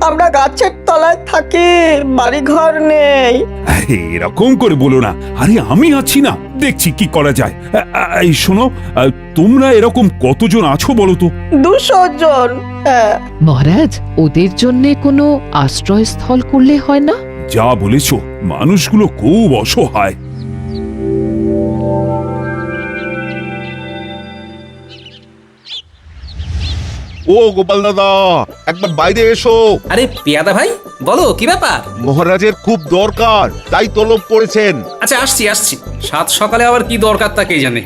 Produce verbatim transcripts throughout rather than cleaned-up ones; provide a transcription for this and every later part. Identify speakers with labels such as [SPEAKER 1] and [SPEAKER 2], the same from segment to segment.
[SPEAKER 1] আমরা গাছের তলায় থাকি, বাড়ি ঘর নেই।
[SPEAKER 2] আরে, এরকম করে বলো না। আরে আমি আছি না, দেখছি কি করা যায়। আ, আ, এই শোনো, আ, তোমরা এরকম কতজন আছো বলো তো?
[SPEAKER 1] দুশো জন। হ্যাঁ।
[SPEAKER 3] মহারাজ, ওদের জন্য কোনো আশ্রয়স্থল করলে হয় না?
[SPEAKER 2] যা বলেছো, মানুষগুলো খুব অসহায়।
[SPEAKER 4] ও গোপাল দাদা, একবার বাইরে এসো।
[SPEAKER 5] আরে পেয়াদা ভাই, বলো কি ব্যাপার?
[SPEAKER 4] মহারাজের খুব দরকার, তাই তলব করেছেন।
[SPEAKER 5] আচ্ছা, আসছি আসছি। সাত সকালে আবার কি দরকার তা কে জানে।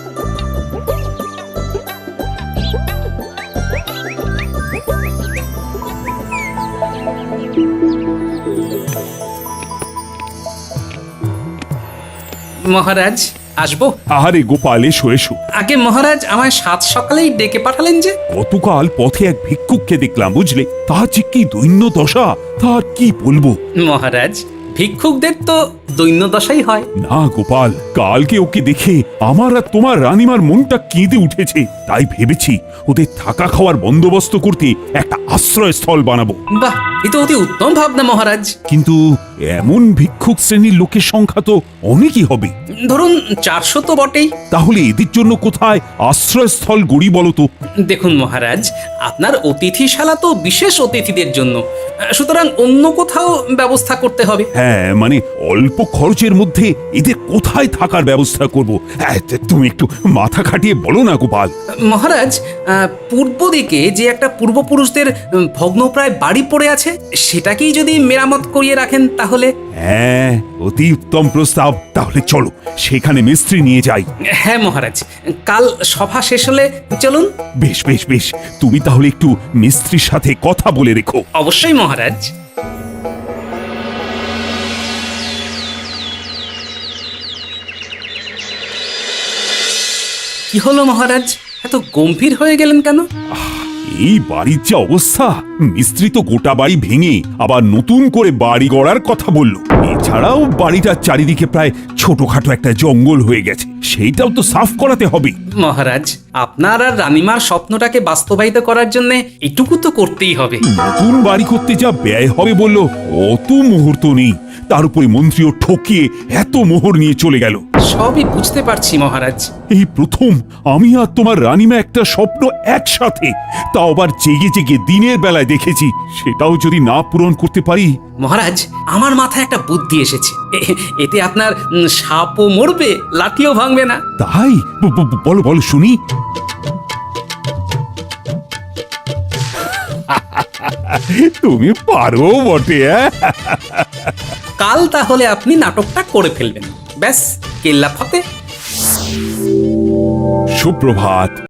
[SPEAKER 5] মহারাজ, আসবো?
[SPEAKER 2] আরে গোপাল, এসো এসো।
[SPEAKER 5] আগে মহারাজ আমায় সাত সকালেই ডেকে পাঠালেন যে?
[SPEAKER 2] গতকাল পথে এক ভিক্ষুককে দেখলাম, বুঝলে? তার যে কি দৈন্য দশা, তার কি বলবো।
[SPEAKER 5] মহারাজ, ভিক্ষুকদের তো দৈন্য দশাই হয়।
[SPEAKER 2] না গোপাল, কালকে ওকে দেখে আমার আর তোমার রানীমার মনটা কেঁদে উঠেছে। তাই ভেবেছি ওদের থাকা খাওয়ার বন্দোবস্ত করতে একটা আশ্রয়স্থল বানাবো।
[SPEAKER 5] বাহ, এ তো অতি উত্তম ভাবনা মহারাজ।
[SPEAKER 2] কিন্তু এমন ভিক্ষুক শ্রেণীর লোকের সংখ্যা তো অনেকই হবে।
[SPEAKER 5] ধরুন চারশো তো বটেই।
[SPEAKER 2] তাহলে এদের জন্য কোথায় আশ্রয়স্থল গড়ি বলো তো?
[SPEAKER 5] দেখুন মহারাজ, আপনার অতিথিশালা তো বিশেষ অতিথিদের জন্য, সুতরাং অন্য কোথাও ব্যবস্থা করতে হবে।
[SPEAKER 2] হ্যাঁ, মানে অল্প খরচের মধ্যে এদের কোথায় থাকার ব্যবস্থা করব? হ্যাঁ, তুমি একটু মাথা খাটিয়ে বলো না গোপাল।
[SPEAKER 5] মহারাজ, আহ, পূর্ব দিকে যে একটা পূর্বপুরুষদের উম, ভগ্নপ্রায় বাড়ি পড়ে আছে, সেটাকেই যদি মেরামত করিয়ে রাখেন তাহলে।
[SPEAKER 2] হ্যাঁ, অতি উত্তম প্রস্তাব। তাহলে চলো সেখানে মিস্ত্রি নিয়ে যাই।
[SPEAKER 5] হ্যাঁ মহারাজ, কাল সভা শেষ হলে চলুন।
[SPEAKER 2] বেশ বেশ বেশ, তুমি তাহলে একটু মিস্ত্রির সাথে কথা বলে রেখো।
[SPEAKER 5] অবশ্যই মহারাজ। কি হলো মহারাজ, এত গম্ভীর হয়ে গেলেন কেন?
[SPEAKER 2] এই বাড়ির যে অবস্থা, মিস্ত্রি তো গোটা বাড়ি ভেঙে আবার নতুন করে বাড়ি গড়ার কথা বলল। এছাড়াও বাড়িটার চারিদিকে প্রায় ছোটখাটো একটা জঙ্গল হয়ে গেছে, সেইটাও তো সাফ করাতে হবে।
[SPEAKER 5] মহারাজ, আপনার আর রানীমার স্বপ্নটাকে বাস্তবায়িত করার জন্য এটুকু তো করতেই হবে।
[SPEAKER 2] নতুন বাড়ি করতে যা ব্যয় হবে বললো, অত মুহূর্ত নেই। তার উপরে মন্ত্রীও ঠকিয়ে এত মোহর নিয়ে চলে গেল।
[SPEAKER 5] সবই বুঝতে পারছি মহারাজ।
[SPEAKER 2] এই প্রথম আমি আর তোমার রানীমা একটা স্বপ্ন একসাথে, তাও আবার জেগে জেগে দিনের বেলায় দেখেছি। সেটাও যদি না পূরণ করতে পারি।
[SPEAKER 5] মহারাজ, আমার মাথায় একটা বুদ্ধি এসেছে। এ- এতে আপনার উম, সাপও মরবে, লাঠিও ভাঙবে না।
[SPEAKER 2] তাই ব- ব- বলো বলো শুনি। তুমি পারো বটে। হ্যাঁ,
[SPEAKER 5] কাল তাহলে আপনি নাটকটা করে ফেলবেন, ব্যাস কেল্লা ফতে।
[SPEAKER 2] সুপ্রভাত।